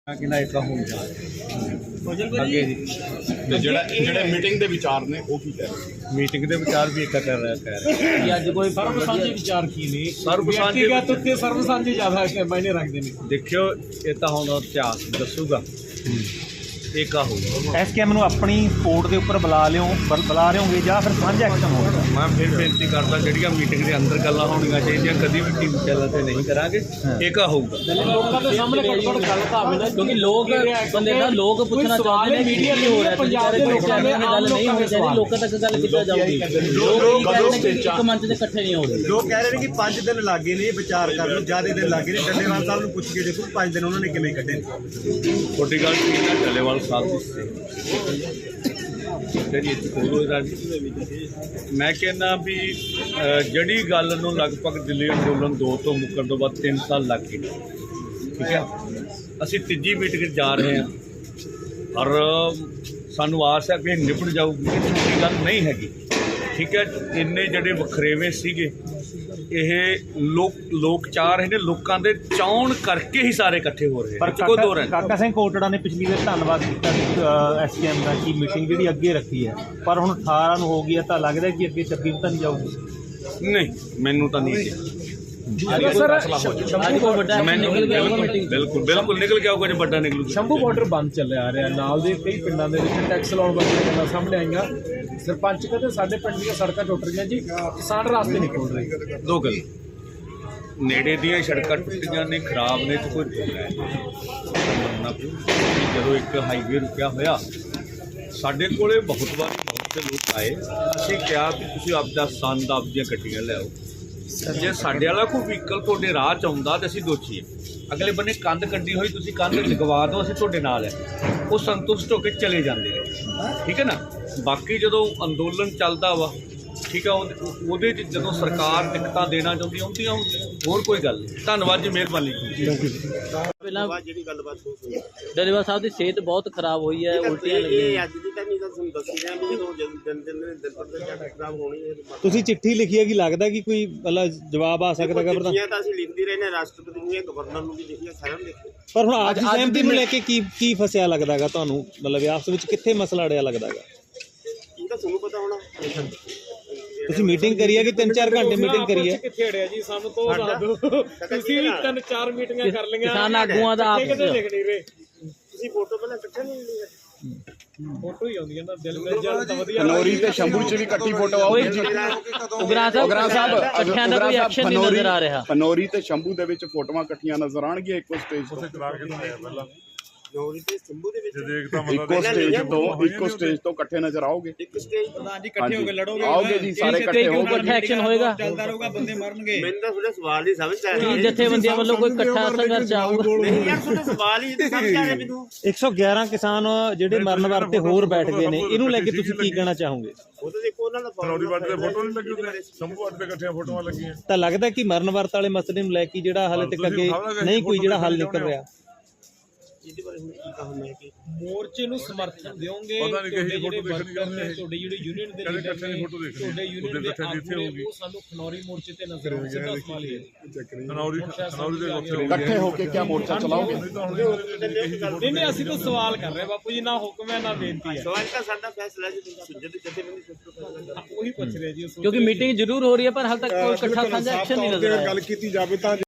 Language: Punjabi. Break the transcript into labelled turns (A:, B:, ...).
A: मीटिंग ਦੇ ਵਿਚਾਰ ਨੇ ਉਹ ਕੀ ਕਹਿ ਰਹੇ
B: ਮੀਟਿੰਗ ਦੇ ਵਿਚਾਰ ਵੀ ਇੱਕ ਕਰ ਰਿਹਾ
C: ਕਿ ਅੱਜ ਕੋਈ ਸਰਬ ਸਾਂਝੇ ਵਿਚਾਰ ਕੀ ਨੇ ਵਿਅਕਤੀਗਤ ਉੱਤੇ ਸਰਬ ਸਾਂਝੇ ਜ਼ਿਆਦਾ ਮਾਇਨੇ ਰੱਖਦੇ ਨੇ।
B: ਦੇਖਿਓ ਇਹ ਤਾਂ ਹੁਣ ਇਤਿਹਾਸ ਦੱਸੂਗਾ ਇਹ ਕਾ ਹੋਊਗਾ।
D: ਐਸਕੇਐਮ ਨੂੰ ਆਪਣੀ ਸਪੋਰਟ ਦੇ ਉੱਪਰ ਬੁਲਾ ਰਹੇ ਹੋਗੇ ਜਾਂ ਫਿਰ ਸਾਂਝਾ ਐਕਸ਼ਨ ਹੋਵੇਗਾ।
B: ਮੈਂ ਫਿਰ ਬੇਨਤੀ ਕਰਦਾ ਜਿਹੜੀਆਂ ਮੀਟਿੰਗ ਦੇ ਅੰਦਰ ਗੱਲਾਂ ਹੋਣੀਆਂ ਚਾਹੀਦੀਆਂ ਕਦੀ ਵੀ ਟੀਮ ਚੈਨਲ ਤੇ ਨਹੀਂ ਕਰਾਂਗੇ ਇਹ ਕਾ ਹੋਊਗਾ।
C: ਲੋਕਾਂ ਦੇ ਸਾਹਮਣੇ ਗੱਲ ਤਾਂ ਆਵੇ ਨਾ ਕਿਉਂਕਿ ਲੋਕ ਬੰਦੇ ਦਾ ਲੋਕ ਪੁੱਛਣਾ ਚਾਹੁੰਦੇ ਨੇ ਮੀਡੀਆ ਕੀ ਹੋ ਰਿਹਾ ਪੰਜਾਬ ਦੇ ਲੋਕਾਂ ਨੇ ਗੱਲ ਨਹੀਂ ਹੋਣੀ ਚਾਹੀਦੀ ਲੋਕਾਂ ਤੱਕ ਗੱਲ ਕਿੱਦਾਂ ਜਾਊਗੀ। ਲੋਕ ਇੱਕ ਮੰਚ ਤੇ ਇਕੱਠੇ ਨਹੀਂ ਹੋ ਰਹੇ।
E: ਲੋਕ ਕਹਿ ਰਹੇ ਨੇ ਕਿ 5 ਦਿਨ ਲੱਗੇ ਨੇ ਵਿਚਾਰ ਕਰਨ ਨੂੰ ਜ਼ਿਆਦਾ ਦਿਨ ਲੱਗੇ ਨੇ। ਡੱਲੇਵਾਲ ਸਾਹਿਬ ਨੂੰ ਪੁੱਛ ਕੇ ਦੇਖੋ 5 ਦਿਨ ਉਹਨਾਂ ਨੇ ਕਿਵੇਂ ਕੱਢੇ।
B: ਛੋਟੀ ਗੱਲ ਠੀਕ ਹੈ ਡੱਲੇਵਾਲ ਸਾਹਿਬ ਦੀ ਮੈਂ ਕਹਿੰਦਾ ਵੀ ਜਿਹੜੀ ਗੱਲ ਨੂੰ ਲਗਭਗ ਦਿੱਲੀ ਅੰਦੋਲਨ 2 ਤੋਂ ਮੁੱਕਣ ਤੋਂ ਬਾਅਦ 3 ਸਾਲ ਲੱਗ ਗਏ। ਠੀਕ ਹੈ ਅਸੀਂ ਤੀਜੀ ਮੀਟਿੰਗ ਜਾ ਰਹੇ ਹਾਂ ਔਰ ਸਾਨੂੰ ਆਸ ਹੈ ਕਿ ਨਿਪਟ ਜਾਊਗੀ। ਇਹ ਗੱਲ ਨਹੀਂ ਹੈਗੀ। ਠੀਕ ਹੈ ਇੰਨੇ ਜਿਹੜੇ ਵਖਰੇਵੇਂ ਸੀਗੇ ਇਹ ਲੋਕ ਚਾਹ ਰਹੇ ਨੇ ਲੋਕਾਂ ਦੇ ਚਾਹਣ ਕਰਕੇ ਹੀ ਸਾਰੇ ਇਕੱਠੇ ਹੋ ਰਹੇ
D: ਪਰ ਕਾਕਾ ਸਿੰਘ ਕੋਟੜਾ ਨੇ ਪਿਛਲੀ ਵਾਰ ਧੰਨਵਾਦ ਕੀਤਾ ਐਸਕੇਐਮ ਦਾ ਕਿ ਮੀਟਿੰਗ ਜਿਹੜੀ ਅੱਗੇ ਰੱਖੀ ਹੈ ਪਰ ਹੁਣ 18 ਨੂੰ ਹੋ ਗਈ ਹੈ ਤਾਂ ਲੱਗਦਾ ਕਿ ਅੱਗੇ 26 ਨੂੰ ਤਾਂ ਨਹੀਂ ਜਾਊਗੀ।
B: ਨਹੀਂ ਮੈਨੂੰ ਤਾਂ ਨਹੀਂ ਬਿਲਕੁਲ ਨਿਕਲ ਕੇ ਆਊਗਾ ਜੇ ਵੱਡਾ ਨਿਕਲੂ।
C: ਸ਼ੰਭੂ ਬਾਰਡਰ ਬੰਦ ਚੱਲਿਆ ਆ ਰਿਹਾ ਨਾਲ ਦੇ ਕਈ ਪਿੰਡਾਂ ਦੇ ਵਿੱਚ ਟੈਕਸ ਲਾਉਣ ਵਾਲੀਆਂ ਗੱਲਾਂ ਸਾਹਮਣੇ ਆਈਆਂ। ਸਰਪੰਚ ਕਹਿੰਦੇ ਸਾਡੇ ਪਿੰਡ ਦੀਆਂ ਸੜਕਾਂ ਟੁੱਟ ਰਹੀਆਂ ਜੀ ਕਿਸਾਨ ਰਾਸਤੇ ਨਹੀਂ ਖੋਲ ਰਹੇ।
B: ਦੋ ਗੱਲ ਨੇੜੇ ਦੀਆਂ ਸੜਕਾਂ ਟੁੱਟੀਆਂ ਨੇ ਖਰਾਬ ਨੇ ਤੇ ਕੋਈ ਹੈ ਜਦੋਂ ਇੱਕ ਹਾਈਵੇ ਰੁਕਿਆ ਹੋਇਆ ਸਾਡੇ ਕੋਲੇ ਬਹੁਤ ਵਾਰੀ ਬਹੁਤ ਦੇ ਲੋਕ ਆਏ ਅਸੀਂ ਕਿਹਾ ਕਿ ਤੁਸੀਂ ਆਪਦਾ ਸੰਦ ਆਪਦੀਆਂ ਗੱਡੀਆਂ ਲਿਆਓ। ਜੇ ਸਾਡੇ ਵਾਲਾ ਕੋਈ ਵਹੀਕਲ ਤੁਹਾਡੇ ਰਾਹ 'ਚ ਆਉਂਦਾ ਤਾਂ ਅਸੀਂ ਦੋਸ਼ੀ ਹਾਂ। ਅਗਲੇ ਬੰਨੇ ਕੰਧ ਕੱਢੀ ਹੋਈ ਤੁਸੀਂ ਕੰਧ ਲਗਵਾ ਦਿਓ ਅਸੀਂ ਤੁਹਾਡੇ ਨਾਲ ਹੈ ਉਹ ਸੰਤੁਸ਼ਟ ਹੋ ਕੇ ਚਲੇ ਜਾਂਦੇ ਨੇ। ਠੀਕ ਹੈ ਨਾ। ਬਾਕੀ ਜਦੋਂ ਅੰਦੋਲਨ ਚੱਲਦਾ ਵਾ ਠੀਕ ਆ ਉਹਦੇ 'ਚ ਜਦੋਂ ਸਰਕਾਰ ਦਿੱਕਤਾਂ ਦੇਣਾ ਚਾਹੁੰਦੀ ਆਉਂਦੀਆਂ ਹੋਰ ਕੋਈ ਗੱਲ ਨਹੀਂ। ਧੰਨਵਾਦ ਜੀ ਮਿਹਰਬਾਨੀ।
F: ਪਹਿਲਾਂ ਜਿਹੜੀ ਗੱਲਬਾਤ ਹੋ ਗਈ
C: ਡੱਲੇਵਾਲ ਸਾਹਿਬ ਦੀ ਸਿਹਤ ਬਹੁਤ ਖਰਾਬ ਹੋਈ ਹੈ ਉਲਟੀਆਂ ਲੱਗੀਆਂ।
F: ਅੱਜ ਦੀ ਤਾਂ ਨਹੀਂ ਤਾਂ ਤੁਹਾਨੂੰ ਦੱਸੀ ਰਿਹਾ ਵੀ ਜਦੋਂ ਦਿਨ ਪਰ ਜ਼ਿਆਦਾ ਖਰਾਬ ਹੋਣੀ ਹੈ।
D: ਤੁਸੀਂ ਚਿੱਠੀ ਲਿਖੀ ਹੈ ਕਿ ਲੱਗਦਾ ਕਿ ਕੋਈ ਮਤਲਬ ਜਵਾਬ ਆ ਸਕਦਾ ਹੈ।
F: ਚਿੱਠੀਆਂ ਤਾਂ ਅਸੀਂ ਲਿਖਦੇ ਰਹੇ ਨੇ ਰਾਸ਼ਟਰਪਤੀ ਨੂੰ ਗਵਰਨਰ ਨੂੰ ਵੀ ਲਿਖੀਆਂ ਸਾਰਿਆਂ ਨੂੰ ਲਿਖੀਆਂ
D: ਪਰ ਹੁਣ ਅੱਜ ਸਹਿਮਤੀ ਨੂੰ ਲੈ ਕੇ ਕੀ ਫਸਿਆ ਲੱਗਦਾ ਹੈਗਾ ਤੁਹਾਨੂੰ ਮਤਲਬ ਆਪਸ ਵਿੱਚ ਕਿੱਥੇ ਮਸਲਾ ਅੜਿਆ ਲੱਗਦਾ ਹੈਗਾ।
F: ਇਹ ਤਾਂ ਤੁਹਾਨੂੰ ਪਤਾ ਹੋਣਾ।
D: ਤੁਸੀਂ ਮੀਟਿੰਗ ਕਰੀ ਹੈ ਕਿ 3-4 ਘੰਟੇ ਮੀਟਿੰਗ ਕਰੀ ਹੈ।
C: ਕਿੱਥੇ ਅੜਿਆ ਜੀ ਸਾਨੂੰ ਤੋਂ ਦੱਸ ਦਿਓ। ਤੁਸੀਂ ਵੀ 3-4 ਮੀਟਿੰਗਾਂ ਕਰ ਲਈਆਂ
D: ਕਿਸਾਨ ਆਗੂਆਂ ਦਾ
C: ਕਿਤੇ ਲਿਖ ਨਹੀਂ ਰਹੇ।
F: ਤੁਸੀਂ ਫੋਟੋ ਪਹਿਲਾਂ ਇਕੱਠੇ ਨਹੀਂ ਲਈ
C: ਫੋਟੋ ਹੀ ਆਉਂਦੀ ਹੈ ਨਾ ਦਿਲ ਮਿਲ ਜਾਣ ਤਾਂ ਵਧੀਆ।
A: ਫਨੌਰੀ ਤੇ ਸ਼ੰਭੂ ਚ ਵੀ ਇਕੱਠੀ ਫੋਟੋ ਆਉਗੀ।
C: ਉਗਰਾ ਸਾਹਿਬ ਇਕੱਠਿਆਂ ਦਾ ਕੋਈ ਐਕਸ਼ਨ ਨਹੀਂ ਨਜ਼ਰ ਆ ਰਿਹਾ।
A: ਫਨੌਰੀ ਤੇ ਸ਼ੰਭੂ ਦੇ ਵਿੱਚ ਫੋਟੋਆਂ ਇਕੱਠੀਆਂ ਨਜ਼ਰ ਆਣਗੀਆਂ ਇੱਕੋ ਸਟੇਜ ਤੋਂ।
F: ਨੌਰੀ ਤੇ ਸ਼ੰਭੂ ਦੇ ਵਿੱਚ
A: ਇੱਕੋ ਸਟੇਜ ਤੋਂ ਇਕੱਠੇ ਨਜ਼ਰ ਆਓਗੇ।
F: ਇੱਕ ਸਟੇਜ
E: ਪ੍ਰਧਾਨ ਜੀ ਇਕੱਠੇ ਹੋ ਕੇ ਲੜੋਗੇ
A: ਆਓਗੇ ਜੀ ਸਾਰੇ ਇਕੱਠੇ ਹੋਗੇ
C: ਐਕਸ਼ਨ ਹੋਏਗਾ
E: ਚੱਲਦਾ ਰਹੂਗਾ ਬੰਦੇ ਮਰਨਗੇ।
F: ਮੈਨੂੰ ਤਾਂ ਤੁਹਾਡੇ ਸਵਾਲ ਨਹੀਂ ਸਮਝ ਆ ਰਿਹਾ।
C: ਜਥੇਬੰਦੀਆਂ ਵੱਲੋਂ ਕੋਈ ਇਕੱਠਾ ਸੰਘਰਸ਼ ਆਊਗਾ
F: ਨਹੀਂ ਯਾਰ ਤੁਹਾਡੇ ਸਵਾਲ ਹੀ ਸਮਝ ਆ ਰਿਹਾ ਮੈਨੂੰ।
D: 111 ਕਿਸਾਨ ਜਿਹੜੇ ਮਰਨ ਵਾਸਤੇ ਹੋਰ ਬੈਠ ਗਏ ਨੇ ਇਹਨੂੰ ਲੈ ਕੇ ਤੁਸੀਂ ਕੀ ਕਹਿਣਾ ਚਾਹੋਗੇ।
F: ਉਹ ਤਾਂ ਦੇਖੋ ਉਹਨਾਂ ਦਾ
A: ਫਨੌਰੀ ਵਾਲੇ ਦੇ ਫੋਟੋ ਨਹੀਂ ਲੱਗੀ ਉਹਦੇ ਸ਼ੰਭੂ ਵਾਲੇ ਦੇ ਇਕੱਠੀਆਂ ਫੋਟੋਆਂ ਲੱਗੀਆਂ।
D: ਤਾਂ ਲੱਗਦਾ ਕਿ ਮਰਨ ਵਰਤ ਵਾਲੇ ਮਸਲੇ ਨੂੰ ਲੈ ਕੇ ਜਿਹੜਾ ਹਾਲੇ ਤੱਕ ਅੱਗੇ ਨਹੀਂ ਕੋਈ ਜਿਹੜਾ ਹੱਲ ਨਿਕਲ ਰਿਹਾ।
F: ਇਹਦੇ ਬਾਰੇ ਹੁਣ ਕੀ ਕਹਾਂ ਮੈਂ ਕਿ
C: ਮੋਰਚੇ ਨੂੰ ਸਮਰਥਨ ਦਿਓਗੇ ਤੁਹਾਡੇ ਜਿਹੜੇ ਯੂਨੀਅਨ ਦੇ ਤੁਹਾਡੇ ਯੂਨੀਅਨ ਦੇ ਆਗੂ ਉਹ ਸਾਨੂੰ ਖਨੌਰੀ ਮੋਰਚੇ ਤੇ ਨਜ਼ਰ ਆਉਂਦੇ ਸਿੱਧਾ ਸਵਾਲ ਹੀ ਹੈ।
A: ਖਨੌਰੀ ਦੇ ਇਕੱਠੇ ਹੋ ਕੇ ਕੀ ਮੋਰਚਾ ਚਲਾਓਗੇ।
C: ਨਹੀਂ ਅਸੀਂ ਤਾਂ ਸਵਾਲ ਕਰ ਰਹੇ ਬਾਪੂ ਜੀ ਨਾ ਹੁਕਮ ਹੈ ਨਾ ਬੇਨਤੀ ਹੈ।
F: ਸਵਾਲ ਤਾਂ ਸਾਡਾ ਫੈਸਲਾ ਜੀ ਜਥੇਬੰਦੀ
C: ਉਹੀ ਪੁੱਛ ਰਿਹਾ ਜੀ
G: ਕਿਉਂਕਿ ਮੀਟਿੰਗ ਜ਼ਰੂਰ ਹੋ ਰਹੀ ਹੈ ਪਰ ਹਾਲ ਤੱਕ ਕੋਈ ਇਕੱਠਾ ਸਾਂਝਾ ਐਕਸ਼ਨ ਨਹੀਂ ਨਜ਼ਰ ਆਇਆ।
A: ਗੱਲ ਕੀਤੀ ਜਾਵੇ ਤਾਂ